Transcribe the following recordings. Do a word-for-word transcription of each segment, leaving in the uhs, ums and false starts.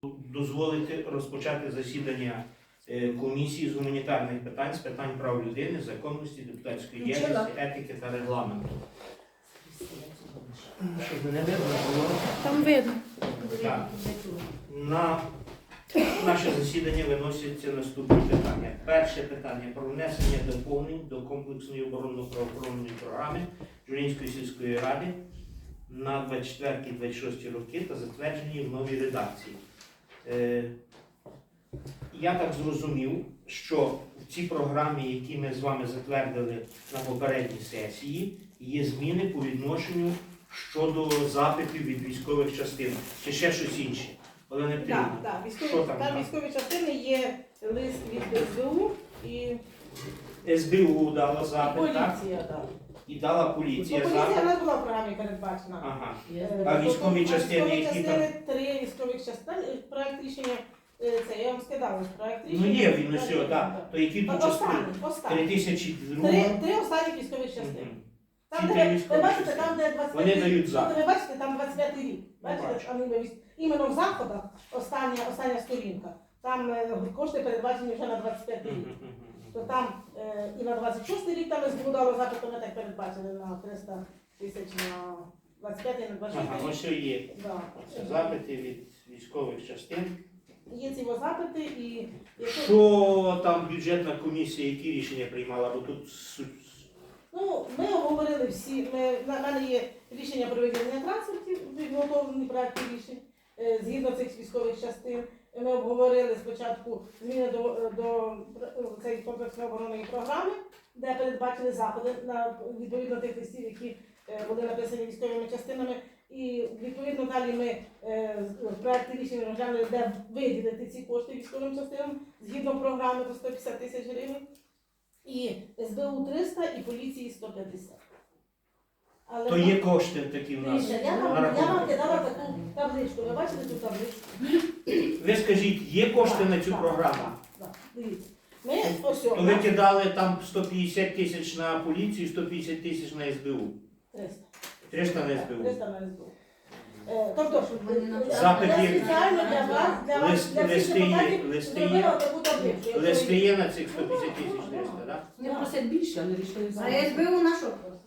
Дозволити розпочати засідання комісії з гуманітарних питань, з питань прав людини, законності, депутатської діяльності, етики та регламенту. Щоб мене видно було. Там видно. Так. На наше засідання виносяться наступні питання. Перше питання про внесення доповнень до комплексної оборонно-правоохоронної програми Журинської сільської ради на двадцять четвертий - двадцять шостий роки та затверджені в новій редакції. Я так зрозумів, що в цій програмі, які ми з вами затвердили на попередній сесії, є зміни по відношенню щодо запитів від військових частин. Чи ще щось інше? Олена Петрівна, Так, так. Військові, що там? там там? військові частини є лист від ес бе у і, ес бе у дала і запит, так? поліція. Так. І дала Ну, поліція поліція запит. не була в програмі передбачена. Ага. Е, А тобто, військові частини, військові які частини, три військових частини, проект рішення, е, це я вам скидала, проект рішення. Ну є він усе, Так, так. То які тут Останні, частини? останні. три тисячі друга. Три, три останні військових частини. Мгм. Там, Ці де три ви, військові ви бачите, частини. там, де двадцять Вони п'ятий дають рік. запит. Ви бачите, там двадцять п'ятий рік. бачу. Бачите, там іменно, військ- іменно в заходах остання, остання сторінка. Там е, кошти передбачені вже на двадцять п'ятий рік. Мгм, мгм, мгм. То там е, і на двадцять шостий рік там ес бе у дало запит, то ми так передбачили на триста тисяч на двадцять п'ятий, на двадцять Ага, шостий ось рік. є. Да. Це запити від військових частин. Є ці запити і якщо... Що там бюджетна комісія, які рішення приймала? Бо тут суть. Ну, ми обговорили всі, ми, на мене є рішення про виділення транспортів, підготовлені проекти рішень е, згідно цих військових частин. Ми обговорили спочатку зміни до, до цієї комплексної оборонної програми, де передбачили заходи на відповідно тих листів, які е, були написані військовими частинами. І відповідно далі ми е, в проекті рішення розглянули, де виділити ці кошти військовим частинам згідно програми до сто п'ятдесят тисяч гривень. І ес бе у триста, і поліції сто п'ятдесят. Але То є кошти такі в нас. Дивіться, я на вам, я вам рахунку. кидала таку табличку. Ви бачите цю табличку? Ви скажіть, є кошти Так, на цю так, програму? так, так. Дивіться. Ми ось То о, ви кидали там сто п'ятдесят тисяч на поліцію, сто п'ятдесят тисяч на ес бе у. триста. триста на ес Так, бе у. триста на ес бе у. Е, Тобто, е, Запит я є. спеціально для вас, для вас, Лист- для всіх листи є, депутатів листи є. зробила таку табличку. Якщо Листи ви- є на цих сто п'ятдесят тисяч триста, так? Не просять більше, але рішили А зараз. ес бе у на що просто?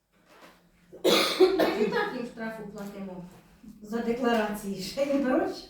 Ми і так їм штрафу платимо за декларації. Ще не беруть?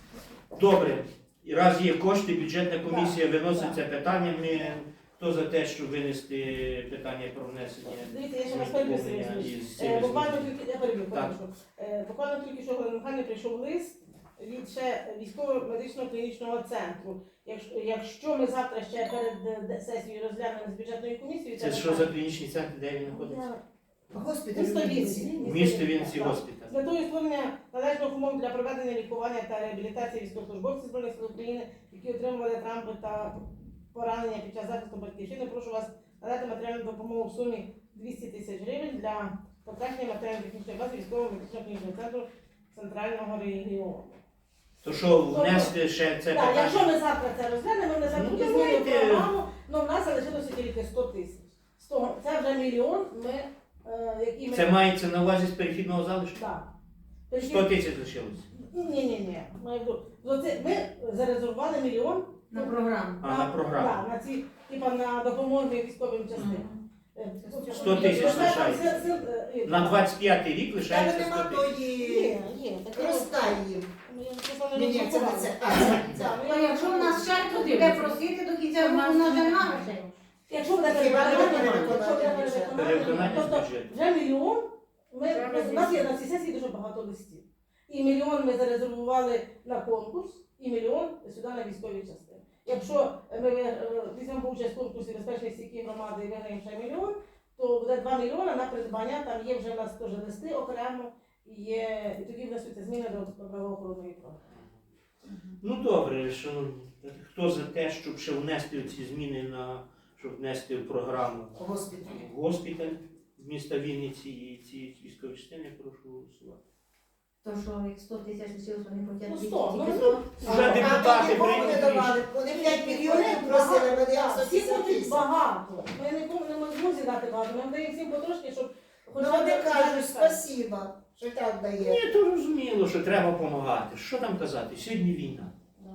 Добре. І раз є кошти, бюджетна комісія Так, виносить це питання. Ми хто за те, щоб винести питання про внесення Дивіться, я ще раз переб'ю, Сергій доповнення Васильович. із Е, цими Буквально змінами? тільки, я переб'ю, Так. прошу. Е, Буквально тільки що Галина Михайлівна прийшов лист від ще військово-медичного клінічного центру. Якщо, якщо ми завтра ще перед е, де- сесією розглянемо з бюджетною комісією, Це що за клінічний центр, де він знаходиться? Госпіталь. Місто Вінниці. В місті Вінниці Так. госпіталь. З метою створення належних умов для проведення лікування та реабілітації військовослужбовців Збройних сил України, які отримували травми та поранення під час захисту батьківщини, прошу вас надати матеріальну допомогу в сумі двісті тисяч гривень для покращення матеріально-технічної бази військового медичного клінічного центру центрального регіону. То що внести ще це Так, якщо питання? ми завтра це розглянемо, ми завтра Ну, змінимо давайте. програму, але в нас залишилося тільки сто тисяч. З того- Це вже мільйон, ми, е, який ми... Це мається на увазі з перехідного залишку? Так. сто тисяч лишилось. Ні, ні, ні. Ми, оце- ми зарезервували мільйон На програму. А, на програму. да, на ці, типа на допомогу військовим частинам. Е, сто тисяч ви знаєте, лишається. це- це, е, На двадцять п'ятий рік Тебе лишається нема сто тисяч. тої Є, є. таке- розтаї. Ну, я просто не Ні, ні, це не розрахувала. це. А, це, це. Так, ну, То я- якщо у нас ще хтось буде просити до кінця року, у нас нема грошей. Якщо буде Хіба не переконання, переконання якщо буде бюджету? переконання, Переконання з тобто бюджету. вже мільйон, ми, Треба у нас є звідси. на цій сесії дуже багато листів. І мільйон ми зарезервували на конкурс, і мільйон сюди на військові частини. Якщо ми е, візьмемо участь в конкурсі безпечної стійкі громади і виграємо ще мільйон, то буде два мільйони на придбання, там є вже у нас теж листи окремо, і, є, і тоді внесуться зміни до правоохоронної програми. Ну добре, шановні. Хто за те, щоб ще внести ці зміни на щоб внести в програму Госпіталь. госпіталь міста Вінниці і ці військові частини, прошу голосувати. То що, як сто тисяч лишилось, вони Ну, хотять сто, ну, тільки ну, сто. Вже А депутати тоді кому не прийняли давали? Вони п'ять мільйонів просили, ми даємо сто всі п'ятдесят хочуть тисяч. багато. Ми нікому не можемо зібрати багато. Ми даємо всім потрошки, щоб Хоча Ну, вони б кажуть, так. спасіба, що так дає. Ні, то розуміло, що треба допомагати. Що там казати? Сьогодні війна.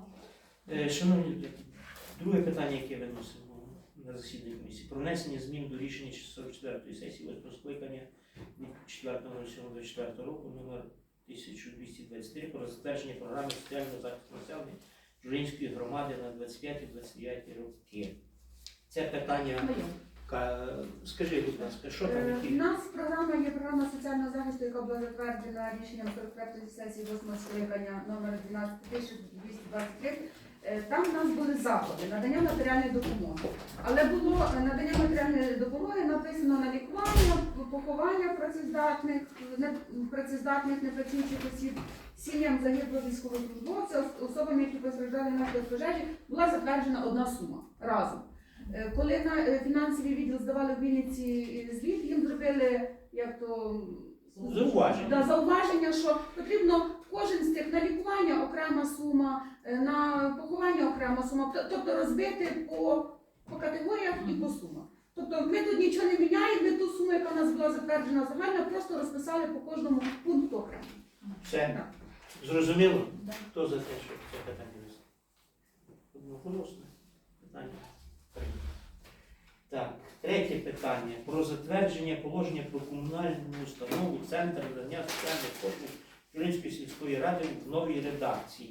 Е, Шановні люди, друге питання, яке виносимо на засідання комісії. Про внесення змін до рішення сорок четвертої сесії восьмого скликання від четвертого сьомого двадцять четвертого року номер тисяча двісті двадцять три про затвердження програми соціального захисту населення Журинської громади на двадцять п'яті - двадцять дев'яті роки. Це питання, ка- скажи, будь ласка, що там Е, У які? нас програма є програма соціального захисту, яка була затверджена рішенням сорок п'ятої сесії восьмого скликання номер дванадцять тисяч двісті двадцять три. Е, Там в нас були заходи надання матеріальної допомоги. Але було е, надання матеріальної допомоги написано на лікування, поховання працездатних, не, працездатних непрацюючих осіб, сім'ям загиблих військовослужбовців, особам, які постраждали внаслідок пожежі, була затверджена одна сума разом. Е, Коли на е, фінансовий відділ здавали в Вінниці звіт, їм зробили як то Зауваження. да, зауваження, що потрібно кожен з тих на лікування окрема сума, е, на поховання окрема сума, т- тобто розбити по, по категоріях і по сумах. Тобто ми тут нічого не міняємо, ми ту суму, яка у нас була затверджена загально, просто розписали по кожному пункту окремо. Все? Так. Зрозуміло? Да. Хто за те, щоб це питання винести? Одноголосне питання. прийнято. Так, третє питання. Про затвердження положення про комунальну установу Центр надання соціальних послуг Журинської сільської ради в новій редакції.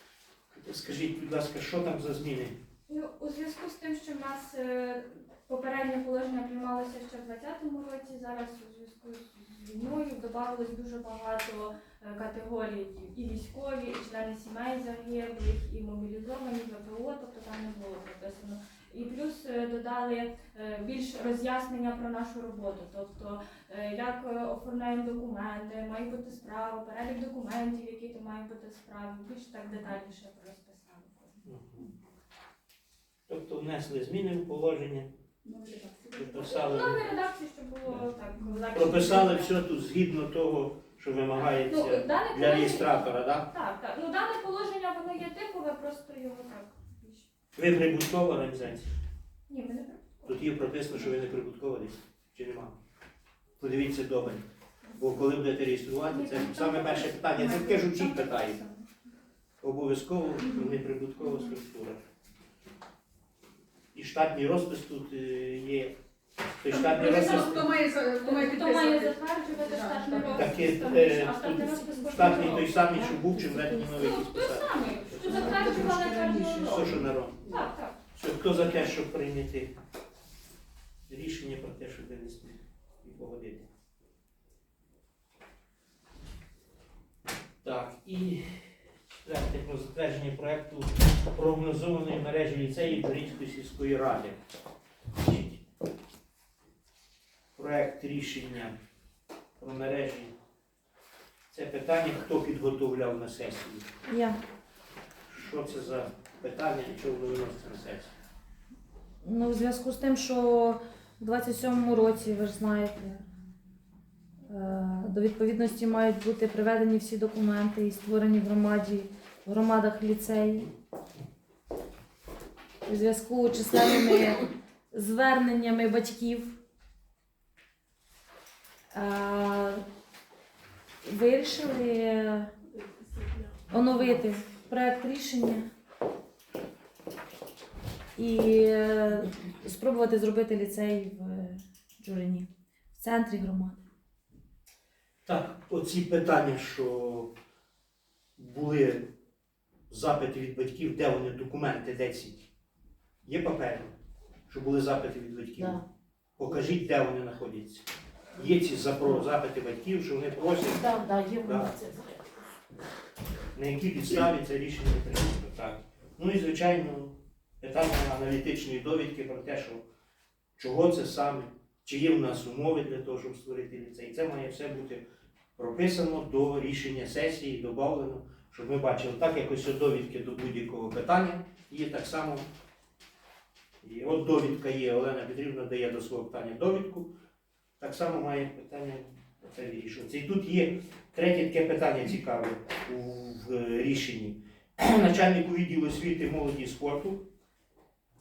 Скажіть, будь ласка, що там за зміни? Ну, у зв'язку з тим, що в нас е, попереднє положення приймалося ще в двадцятому році, зараз у зв'язку з війною додавалось дуже багато е, категорій і військові, і члени сімей загиблих, і мобілізовані, ВПО, тобто там не було прописано. І плюс е, додали е, більш роз'яснення про нашу роботу, тобто е, як е, оформляємо документи, має бути справа, перелік документів, які то мають бути справи, більш так детальніше розписали. Мгм. Тобто внесли зміни в положення, прописали, Нові редакції, щоб було так легше. прописали все тут згідно того, що Ну, вимагається дане для положення- реєстратора, так? Так, так. Ну дане положення воно є типове, просто його так більш. Ви прибуткова організація? Ні, ми не про. Тут є прописано, що ви не прибуткова десь, чи нема? Подивіться добре. Бо коли будете реєструвати, це саме перше питання. Це таке ж усіх питає. Обов'язково неприбуткова структура. І штатний розпис тут е, є. Той штатний Прописано, розпис. хто має, за- хто має Хто має підписувати. затверджувати Да, штатний так. Так, розпис, е, там е, більше, а штатний тут розпис кожного Штатний той року. самий, що був, чи введені новий якийсь Ну, той посади. самий, що затверджували кожного Все, року. що народ. Так, так. Що, хто за те, щоб прийняти рішення про те, щоб винести і погодити? Так, і четверте про затвердження проєкту прогнозованої мережі ліцеїв Журинської сільської ради. Значить, проєкт рішення про мережі. Це питання, хто підготовляв на сесію. Я. Що це за питання і чого воно виноситься на сесію? Ну, в зв'язку з тим, що в двадцять сьомому році, ви ж знаєте, е, до відповідності мають бути приведені всі документи і створені в громаді, в громадах ліцеї. У зв'язку з численними зверненнями батьків е, вирішили оновити проект рішення і е, спробувати зробити ліцей в Джурині, в центрі громади. Так, оці питання, що були запити від батьків, де вони документи, де ці? Є папери, що були запити від батьків? Да. Покажіть, де вони знаходяться. Є ці запро- запити батьків, що вони просять, Так, да, є Да. воно це. на якій підставі це рішення прийнято. Так. Ну і, звичайно, питання аналітичної довідки про те, що чого це саме, чи є в нас умови для того, щоб створити ліцей. Це має все бути прописано до рішення сесії, додано, щоб ми бачили, так як ось довідки до будь-якого питання є так само. І от довідка є, Олена Петрівна дає до свого питання довідку, так само має питання це вирішуватися. І тут є третє таке питання цікаве у в рішенні. Начальнику відділу освіти, молоді і спорту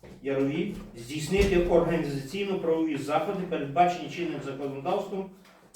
Ярові здійснити організаційно-правові заходи, передбачені чинним законодавством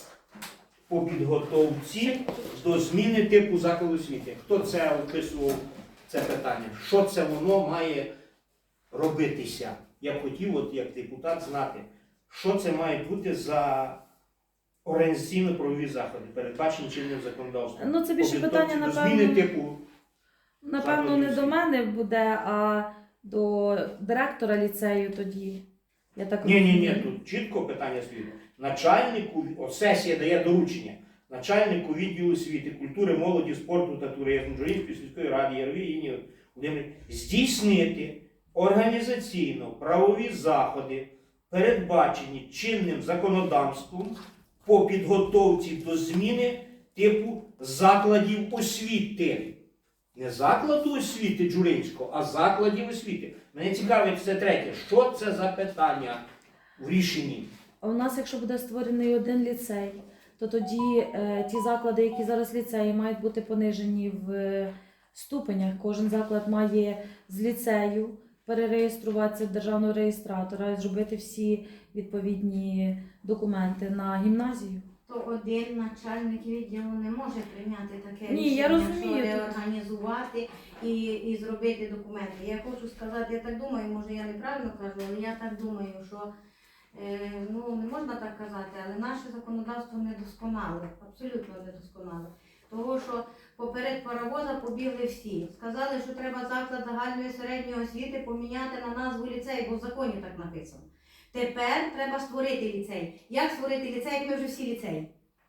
по підготовці до зміни типу закладу освіти. Хто це описував це питання? Що це воно має робитися? Я б хотів, от як депутат, знати, що це має бути за організаційно-правові заходи, передбачені чинним законодавством. Ну, це більше По питання, підготовці до напевно, зміни типу. напевно, не до мене буде, а до директора ліцею тоді. Я так Ні, ні, ні, розумію. тут чітко питання стоїть. Начальнику, от сесія дає доручення, начальнику відділу освіти, культури, молоді, спорту та туризму, Джуринської сільської ради, Яровій Інні Володимирівні, здійснити організаційно-правові заходи, передбачені чинним законодавством по підготовці до зміни типу закладів освіти. Не закладу освіти Джуринського, а закладів освіти. Мене цікавить це третє. Що це за питання в рішенні? А у нас, якщо буде створений один ліцей, то тоді е, ті заклади, які зараз ліцеї, мають бути понижені в е, ступенях. Кожен заклад має з ліцею перереєструватися в державного реєстратора і зробити всі відповідні документи на гімназію. То один начальник відділу не може прийняти таке Ні, рішення, я розумію, що тут- реорганізувати і, і зробити документи. Я хочу сказати, я так думаю, може я неправильно кажу, але я так думаю, що е, ну, не можна так казати, але наше законодавство недосконале, абсолютно недосконале. Того, що поперед паровоза побігли всі. Сказали, що треба заклад загальної середньої освіти поміняти на назву ліцею, бо в законі так написано. Тепер треба створити ліцей. Як створити ліцей, як ми вже всі ліцеї?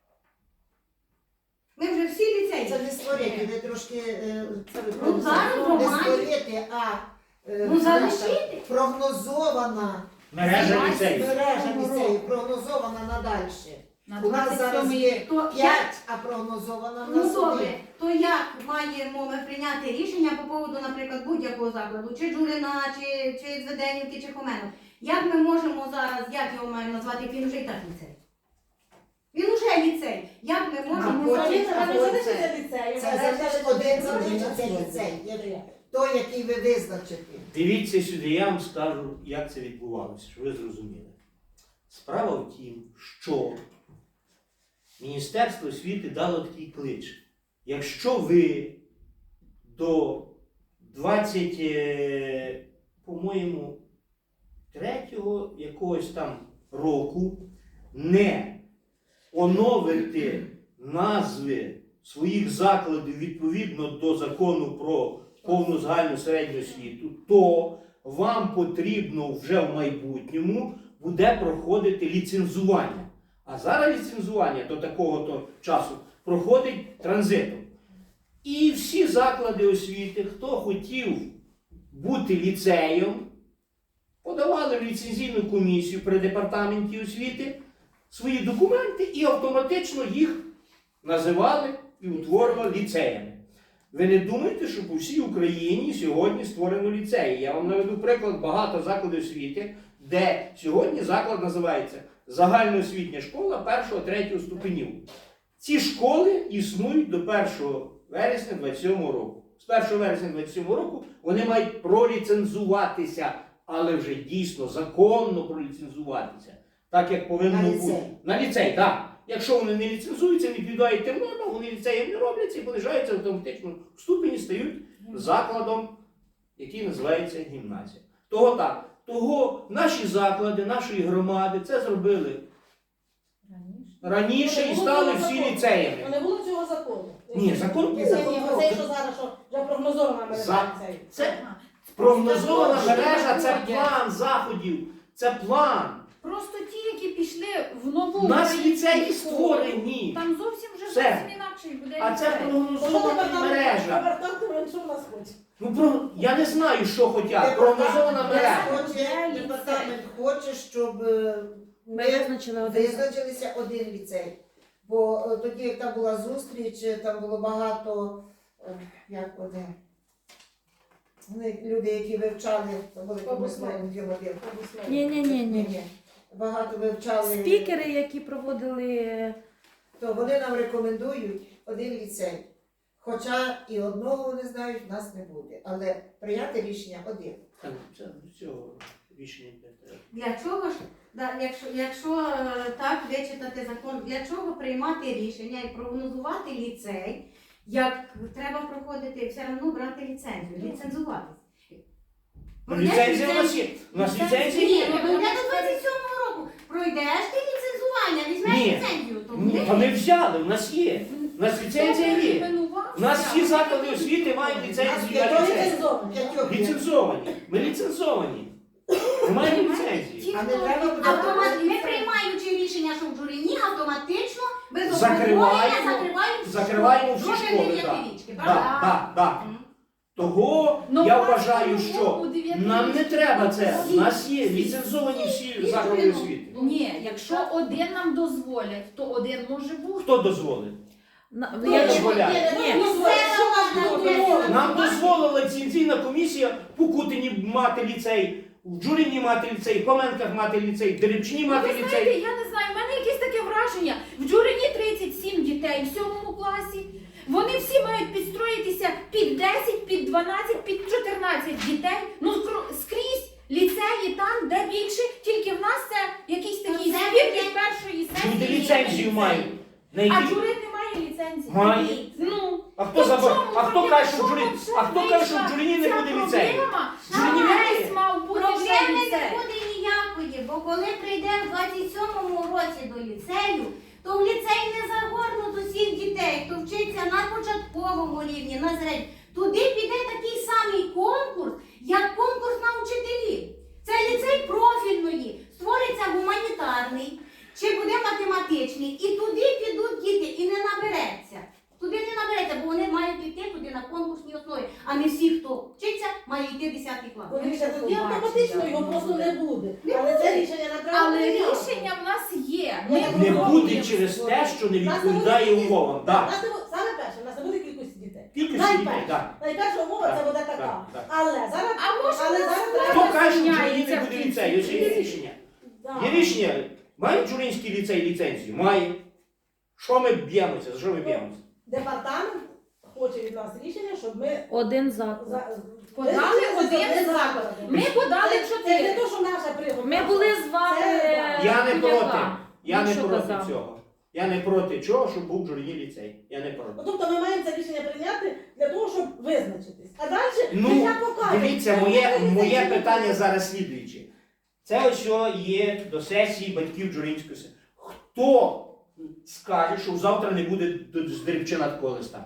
Ми вже всі ліцеї. Це не створити, ви трошки е, це ви Ну, зараз не громаді. створити, а е, Ну, наша залишити. прогнозована Мережа ліцеїв. мережа ліцею, прогнозована надальше. На У нас зараз є То як? п'ять, а прогнозована в Ну нас добре, один. то як маємо ми прийняти рішення по поводу, наприклад, будь-якого закладу, чи Джурина, чи, чи Зведенівки, чи Хоменов? Як ми можемо зараз, як його маємо назвати, як він вже і так ліцей? Він уже ліцей. Як ми можемо потім- зробити а Це потім- залишиться ліцею. Це залежить один залишиться ліцей, є той, який ви визначите. Дивіться сюди, я вам скажу, як це відбувалося, щоб ви зрозуміли. Справа в тім, що Міністерство освіти дало такий клич. Якщо ви до двадцять, е, по-моєму, третього якогось там року не оновите назви своїх закладів відповідно до закону про повну загальну середню освіту, то вам потрібно вже в майбутньому буде проходити ліцензування. А зараз ліцензування до такого-то часу проходить транзитом. І всі заклади освіти, хто хотів бути ліцеєм, подавали в ліцензійну комісію при департаменті освіти свої документи і автоматично їх називали і утворювали ліцеями. Ви не думаєте, що по всій Україні сьогодні створено ліцеї? Я вам наведу приклад багато закладів освіти, де сьогодні заклад називається загальноосвітня школа першого-третього ступенів. Ці школи існують до першого вересня двадцять сьомого року. З першого вересня двадцять сьомого року вони мають проліцензуватися, але вже дійсно законно проліцензуватися. Так, як повинно На бути. ліцей. На ліцей, так. Якщо вони не ліцензуються, не відповідають тим нормам, вони ліцеєм не робляться і понижаються автоматично в ступені, стають закладом, який називається гімназія. Того так. Того наші заклади, нашої громади це зробили раніше і стали всі ліцеями. Не було цього закону. Ні, закон був. Ні, ні, оце, що зараз, що вже прогнозована мережа За- ліцею. Це прогнозована мережа, це план заходів, це план. Просто ті, які пішли в нову У нас українську ліцеї школу, створені. Там зовсім вже Все. зовсім інакший буде А це ліцей. прогнозована мережа. Департамент, що в нас хоче? Ну, про... я не знаю, що хотять. Прогнозована мережа. Хоче, департамент хоче, щоб е, Ми ми визначили один. визначилися один ліцей. Бо е, тоді, як там була зустріч, е, там було багато, е, як вони, вони, люди, які вивчали, це були промисловим діловим. Ні, ні, ні, ні. Багато вивчали. Спікери, які проводили. То вони нам рекомендують один ліцей. Хоча і одного вони знають, в нас не буде. Але прийняти рішення один. Це, це, цього. рішення прийняти. Для чого ж, да, якщо, якщо е, так вичитати закон, для чого приймати рішення і прогнозувати ліцей, як треба проходити, все одно брати ліцензію, ліцензуватись. Ну, ліцензія у нас є. У нас ліцензія Ні, є. ну йде до двадцять сьомого року. Пройдеш ти ліцензування, візьмеш Ні. ліцензію, то Ні, буде. та ми взяли, у нас є. У нас ліцензія є. У нас всі заклади освіти мають ліцензію на П'ятьох ліцензію. ліцензованих. П'ятьох є. Ліцензовані. Ми ліцензовані. Ми маємо ліцензії. Ті, А не хто треба буде- автомат, ми приймаючи рішення, що в Джуріні, автоматично без Закриваємо- обговорення закриваємо всі закриваємо школи. всі Кроме школи, дев'ятирічки, Так, правда? так, так. Мгм. Того Ну, я у нас вважаю, по-новому що у дев'ятирічці нам не треба це. У всі- нас є ліцензовані всі заклади освіти. Ні, якщо один нам дозволять, то один може бути. Хто дозволив? На- Ну, я- дозволяє. ні, Ні. ну, Місцева що влада вам буде дозволить? Нам дозволила ліцензійна комісія в Кутині мати ліцей, в Джуріні мати ліцей, в Хоменках мати ліцей, в Дерибчині Ну, мати ви знаєте, ліцей. я не знаю, в мене якесь таке враження. В Джурині тридцять сім дітей в сьомому класі. Вони всі мають підстроїтися під десять, під дванадцять, під чотирнадцять дітей. Ну скро- скрізь ліцеї там, де більше, тільки в нас це якийсь такий Ну, це збір буде- від першої Люди сесії. ліцензію мають. На А які... Джурин не має ліцензії. Має. Ну, А хто то забор... в чому А хто проблема? каже, що в В чому Джуріні... це А хто каже, що в вийшла Джуріні не ця буде ліцею? проблема? В Джуріні Весь немає. мав бути вже Проблеми не ліцей. буде ніякої, бо коли прийде в двадцять сьомому році до ліцею, то в ліцей не загорнуть усіх дітей, хто вчиться на початковому рівні, на середньому. Туди піде такий самий конкурс, як конкурс на учителів. Це ліцей профільної, створиться гуманітарний, чи буде математичний, і туди підуть діти, і не набереться. Туди не набереться, бо вони мають йти туди на конкурсній основі, а не всі, хто вчиться, має йти десятий клас. Дивіться, тоді автоматично його просто не буде. Не Але це рішення не треба. Але прийняти. рішення в нас є. Ми Ми Не пробуємо буде через те, що не відповідає умовам. У Так. нас не буде- Саме перше, у нас не буде кількості дітей. Кількість дітей, Найперше. так. Найперша умова це Так, буде так, така. так. Але зараз, А може але у нас зараз влада Хто треба. каже, що в Джуріні зміняється не в буде кінці? ліцею? Ось є рішення. Да. Є рішення. Має Джуринський ліцей ліцензію? Має. Що ми б'ємося? За що ми б'ємося? Департамент хоче від нас рішення, щоб ми Один заклад. за- Подали Визначили один один заклад. Ми подали Це- Це не чотири. то, що наша пригода. Ми були з вами. Це- Я не проти. Яка? Я не Що проти казав? цього. Я не проти чого, щоб був в Джуріні ліцей. Я не проти. Ну, тобто ми маємо це рішення прийняти для того, щоб визначитись. А далі Ну, життя покаже. Дивіться, Це моє, буде моє ліцей, чи питання не зараз слідуюче. Це ось що є до сесії батьків Джуринської сесії. Хто скаже, що завтра не буде до- з Дерибчина такого листа?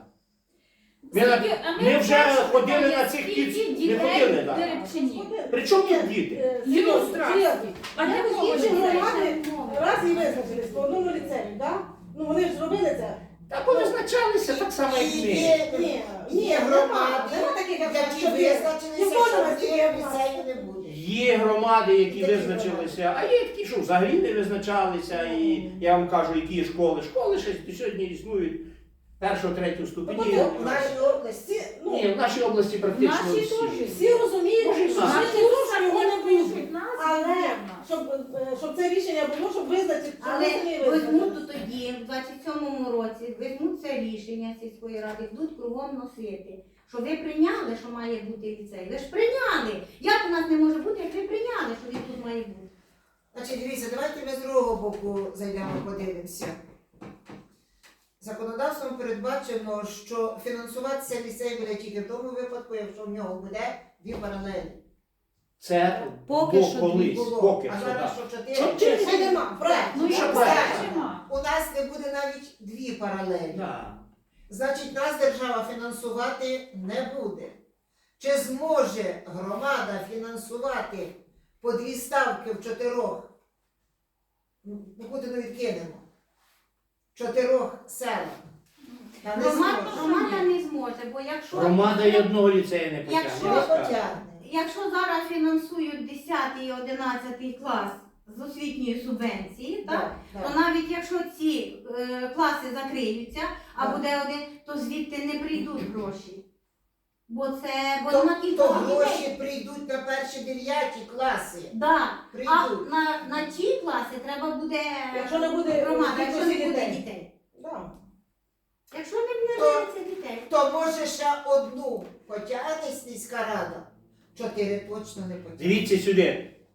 Ми, на- Скільки- а ми вже перше ходили питання, на цих скільки кіт, не дітей ходили, в так. Дерибчині? буде? При чому тут Ні, діти? е, Ілюстрації. серйозно. А для Якось кого інші дітей? громади раз і визначились по одному ліцею, так? Ну вони ж зробили це. Та повизначалися так само, як ми. Є, Ні, ні, ні, є нема, громади, нема таких, як які що ти. визначилися, Ніхто що не вас ні, є ліцею не буде. Є громади, які Які визначилися, а є такі, що взагалі не визначалися. І я вам кажу, які є школи. Школи ще до сьогодні існують першого, третього ступені. Тобто В нашій області Всі, ну, Ні, в нашій області практично Наші всі. теж. всі розуміють, Може, і що в нас. всі тут, що його не буде. Пишуть нас, Але вірно. щоб, е, щоб це рішення було, щоб визначити, щоб Але ми самі візьмуть визначили. то тоді, в двадцять сьомому році, візьмуть це рішення сільської ради, будуть кругом носити. Що ви прийняли, що має бути ліцей? Ви ж прийняли. Як у нас не може бути, як ви прийняли, що він тут має бути? Значить, дивіться, давайте ми з другого боку зайдемо, подивимося. Законодавством передбачено, що фінансуватися ліцей буде тільки в тому випадку, якщо в нього буде дві паралелі. Це Поки бо що колись, Було. поки А що, зараз так. що чотири? Що Чи ще нема? Проект. Ну, Що як правильно? бачимо. У нас не буде навіть дві паралелі. Да. Значить, нас держава фінансувати не буде. Чи зможе громада фінансувати по дві ставки в чотирьох? Ну, Кутину відкинемо. В чотирьох селах. Та не Громада, зможе. громада не зможе, бо якщо, Громада й одного ліцею не потягне. Якщо- я Не скажу. потягне. якщо зараз фінансують десятий і одинадцятий клас з освітньої субвенції, так? Так, То так. навіть якщо ці е, класи закриються, а Так. буде один, то звідти не прийдуть гроші. Бо це бо То, на то кількох гроші дітей. прийдуть на перші дев'яті класи. Да. А Прийдуть. на, на ті класи треба буде Якщо не буде громада, якщо не кількості буде дітей. дітей. Да. Якщо не буде То- з'явиться дітей. То може ще одну потягне сільська рада. Чотири точно не потягне. Дивіться сюди.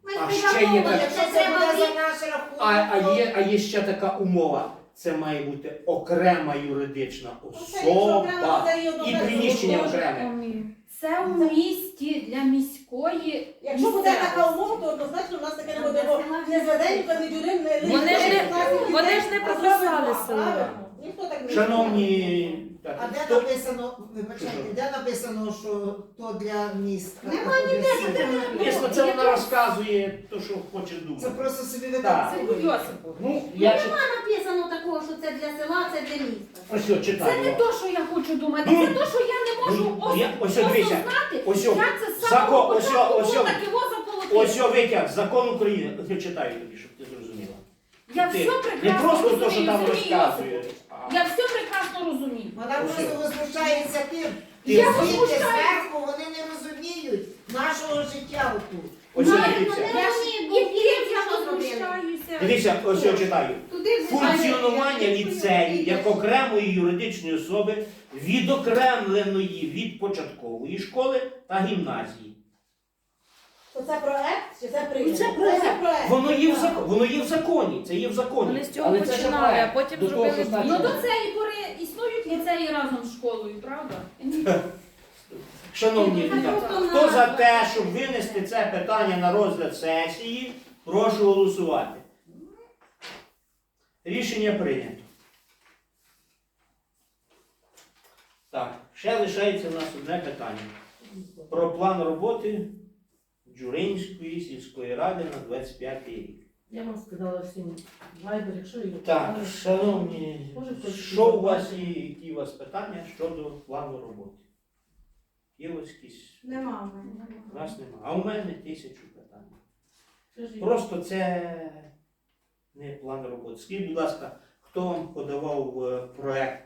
А Ми ще є придумали, так- Якщо що це треба буде за від- наш рахунок, А, а, то- є, а є ще така умова. Це має бути окрема юридична Ну, це якщо окремо, особа. то це і одно І без приміщення одного. окреме. Це у місті для міської. Якщо буде місцевості. така умова, то однозначно в нас таке не буде, бо Села. не Зведенюка, не Дюрин, не Лист. Вони ж не- вони ж не А прописали зробить село. два, правильно. Ніхто так не Шановні, так, А де хто- написано, вибачайте, Що? де написано, що то для міста? Нема а то для ніде, села? ніде не написано. Звісно, це вона розказує те, що хоче Це думати. просто собі Так. видумали. Йосипович. Ну, я чи- Нема написано такого, що це для села, це для міста. ось що Це читаю. не то, що я хочу думати, Ну, це то, що я не можу ну, ос- я- ось що, дивіться, осознати, ось що, як це з закон- самого ось що, початку ось було що. так його заколотити. Ось що витяг, закон України. Я читаю тобі, щоб ти зрозуміла. Я Ти- все Не прекрасно просто розумію, те, що там Сергій розказує. Йосипович. а- Я все прекрасно розумію. Вона Ось просто що. возмущається тим, Ти- що Я звідти возмущаюсь. зверху вони не розуміють нашого життя отут. Ось Ну, що я дивіться. не Я ж розумію, і бо тим дивіться, я що зробили. возмущаюся. Дивіться, ось що читаю. Туди Функціонування ліцею як окремої юридичної особи, відокремленої від початкової школи та гімназії. То це проект чи це прийнято? Це проект. проект. Воно є в законі, воно є в законі, це є в законі. Вони з цього Але це ще починали, а проект. потім До того, зробили що дві. Ну значить- до цієї пори існують ліцеї разом з школою, правда? Шановні Це депутати, просто хто за назва. те, щоб винести це питання на розгляд сесії, прошу голосувати. Рішення прийнято. Так, ще лишається у нас одне питання. Про план роботи Джуринської сільської ради на двадцять п'ятий рік. Я вам сказала всім вайбер, якщо і Так, шановні, Може, хтось що у вас є, які у вас питання щодо плану роботи? Є ось якісь? Нема в мене. У нас нема. А у мене тисячу питань. Скажіть, Просто це не план роботи. Скажіть, будь ласка, хто вам подавав е, проект,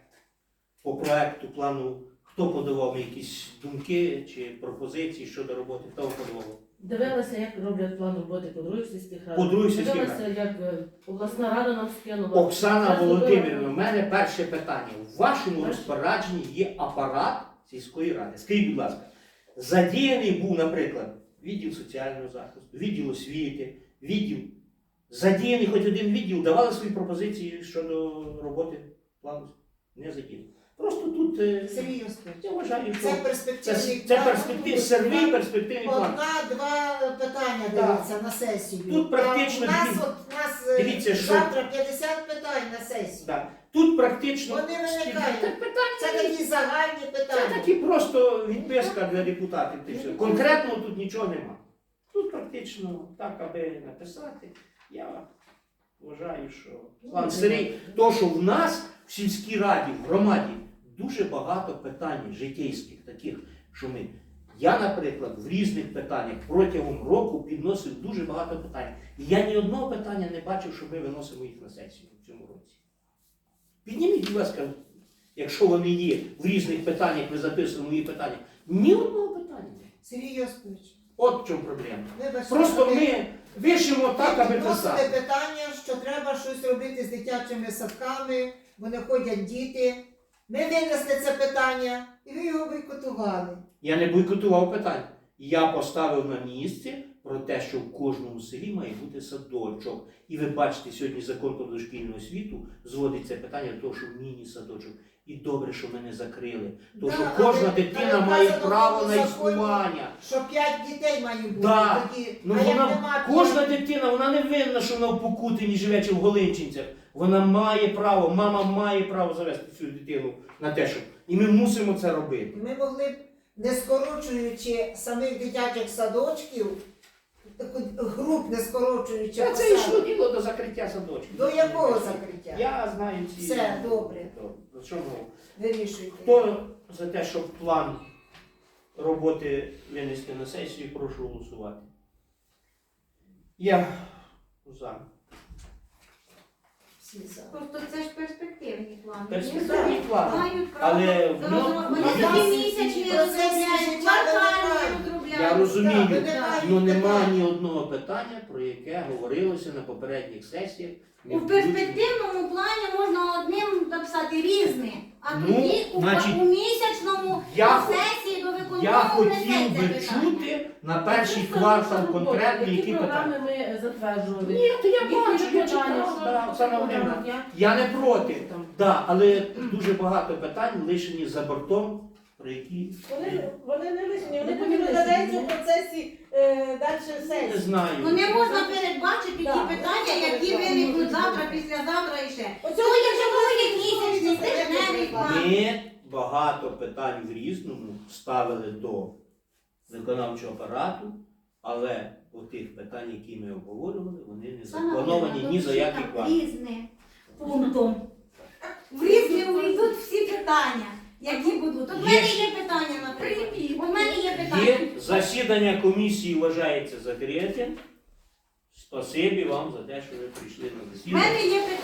по проекту плану, хто подавав якісь думки чи пропозиції щодо роботи? Хто вам подавав? дивилася, як роблять план роботи по других сільських радах. По других сільських Дивилася, як е, обласна рада нам скинула. Оксана Зараз Володимирівна, зробила. у мене перше питання. У вашому Перше. розпорядженні є апарат сільської ради. Скажіть, будь ласка, задіяний був, наприклад, відділ соціального захисту, відділ освіти, відділ. Задіяний хоч один відділ, давали свої пропозиції щодо роботи плану? Не задіяний. Просто тут е, Сергій Йосипович, я вважаю, що це це, перспективний це план. перспектив, сервій перспективний план. Одна-два питання Так. дивиться на сесію. Тут практично А у нас, дві- от, у нас е, Дивіться, що- завтра п'ятдесят питань на сесію. Да. Тут практично Вони виникають. Так питання Це такі загальні Це питання. такі просто відписка для депутатів. Ти все. Конкретно тут нічого нема. Тут практично так, аби написати, я вважаю, що план Сергій, то, що в нас в сільській раді, в громаді, дуже багато питань житейських, таких, що ми. Я, наприклад, в різних питаннях протягом року підносив дуже багато питань. І я ні одного питання не бачив, що ми виносимо їх на сесію в цьому році. Підніміть, будь ласка, якщо вони є в різних питаннях, ми записуємо мої питання. Ні одного питання. Сергій Йосипович, От в чому проблема. вибачте, Просто ви- ми вишимо так, аби Підносили писати. питання, що треба щось робити з дитячими садками, бо не ходять діти. Ми винесли це питання і ви його бойкотували. Я не бойкотував питання. Я поставив на місце про те, що в кожному селі має бути садочок. І ви бачите, сьогодні закон про дошкільну освіту зводить це питання до того, що міні-садочок. І добре, що ми не закрили. Тому Да, що але- кожна але дитина вказано має в право тому на законі, існування. Що п'ять дітей має бути. Да. Тоді, Ну а як вона, нема кожна п'ять- дитина, вона не винна, що вона в Покутині живе чи в Голинчинцях. Вона має право, мама має право завести цю дитину на те, щоб. І ми мусимо це робити. Ми могли б, не скорочуючи самих дитячих садочків, таку груп не скорочуючи, Це, це посадок. йшло діло до закриття садочків. До якого закриття? Я знаю ці. Все, добре. Добре. Що мов? Вирішуйте. Хто за те, щоб план роботи винести на сесію, прошу голосувати. Я за. Всі за. Просто це ж перспективні плани. Перспективний план. Мають право. Але в Розроб- ньому- Вони в такі нас- місячні процесі розробляють, життя квартальні виникають. Я Я розумію, виникають але нема питання. ні одного питання, про яке говорилося на попередніх сесіях. не У включено. перспективному плані можна одним написати різне, а Ну, тоді у, значить, у місячному я на хо- сесії до Я виконкому хотів внесеться би питання. чути на перший Це квартал наша робота. конкретно, які програми питання. ми затверджували. Ні, то я Які бачу, я питання, читав, що да, Оксана Володимирівна. програма Я не проти, Там. да, але дуже багато питань лишені за бортом, про які Вони, вони не лишні, вони Вони потім не розглядаються в лишні. процесі е, далі не сесії. знаю. Ну не можна передбачити ті Да, питання, можна які передбачити. виникнуть завтра, післязавтра і ще. Оцього То є якщо живої ви місячний, слухаєте, тижневий як план. Ми багато питань в різному ставили до виконавчого апарату, але у тих питань, які ми обговорювали, вони не заплановані ні за які квартал. Різне пунктом. В різне увійдуть всі питання, які будуть. От в мене є питання, наприклад. У мене є питання. Є засідання комісії вважається закритим. Спасибі вам за те, що ви прийшли на У засідання. мене є питання.